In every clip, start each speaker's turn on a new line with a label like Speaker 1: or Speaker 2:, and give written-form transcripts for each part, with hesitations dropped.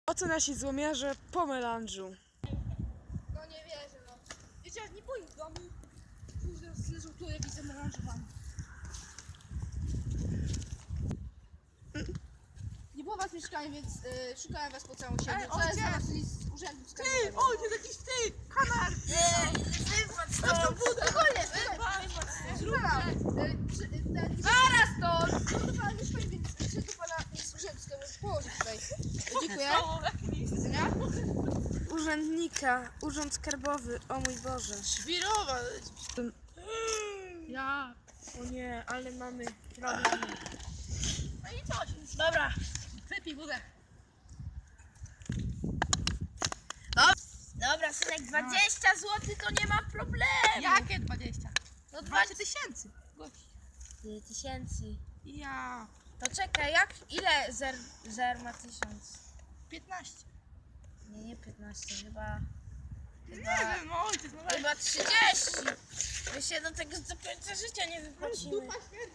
Speaker 1: Oto nasi złomiarze po melanżu.
Speaker 2: No nie wierzę, no. Wiecie, jak nie boję w domu. Teraz leżą tu, jak widzę melanżowany. Nie było was mieszkania, więc szukałem was po całym siebie. Wczoraj znalazli z urzędu skarbowego.
Speaker 3: Ojciec, jakiś ty! Kanar!
Speaker 2: Stop, spokojnie, zaraz to! Do pana mieszkania, więc przyszedł do pana z urzędu skarbowego. Położyć tutaj. Dziękuję.
Speaker 1: Urzędnika, urząd skarbowy, o mój Boże.
Speaker 3: Świrowa! Ja.
Speaker 1: O nie, ale mamy problemy.
Speaker 3: No i coś. Dobra, wypij wódę.
Speaker 4: Dobra, synek, 20 zł to nie ma problemu.
Speaker 3: Jakie 20?
Speaker 4: No
Speaker 3: 20 tysięcy.
Speaker 4: 2000.
Speaker 3: Ja.
Speaker 4: To czekaj, ile zer ma 1000?
Speaker 3: 15.
Speaker 4: Nie 15, chyba
Speaker 3: Nie wiem, no ojciec, no weź.
Speaker 4: chyba 30. My się do tego do końca życia nie wypłacimy.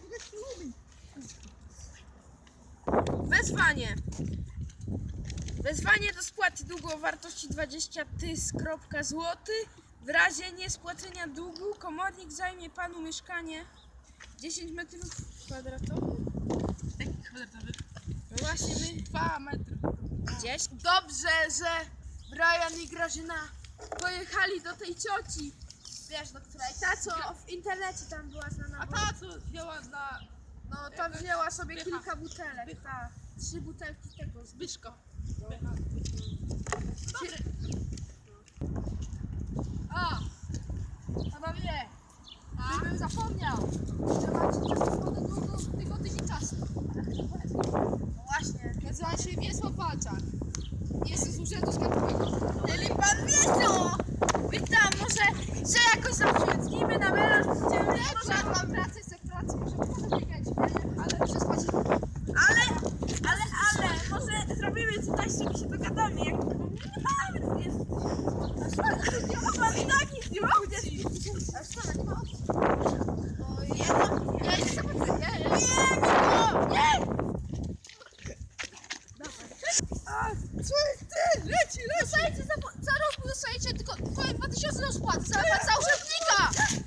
Speaker 1: Wezwanie. Wezwanie do spłaty długu o wartości 20 zł. W razie niespłacenia długu komornik zajmie panu mieszkanie 10 metrów kwadratowych.
Speaker 3: Jaki kwadratowy?
Speaker 1: No właśnie my
Speaker 3: 2 metry.
Speaker 1: gdzieś. Dobrze, że Brian i Grażyna pojechali do tej cioci. Wiesz, do której ta co w internecie tam była znana.
Speaker 3: A ta co wzięła na
Speaker 1: No tam wzięła sobie
Speaker 3: Zbycha.
Speaker 1: kilka butelek. Ta, 3 butelki tego.
Speaker 3: Zbyszko.
Speaker 2: A! Panowie! Gdybym zapomniał, że macie czas do tego tydzień czasu.
Speaker 4: No właśnie.
Speaker 2: Nazywam się Wiesław Walczak. Jestem z urzędu skarbowego.
Speaker 4: Czyli pan Wiesio! Witam, może że jakoś zaprzyjaźnimy na melanż, będziemy
Speaker 2: Dobrze, mam pracę, chcę pracy, może potem biegać, ale przespać.
Speaker 4: ale może zrobimy tutaj sobie się dogadamy, jak nie jest. Pan i tak nic nie ma.
Speaker 2: A szkoda, nie ma opcji.
Speaker 4: Ja jeszcze zobaczę.
Speaker 2: Dostajecie za rok, dostajecie tylko twoje 2000 do spłaty, za urzędnika!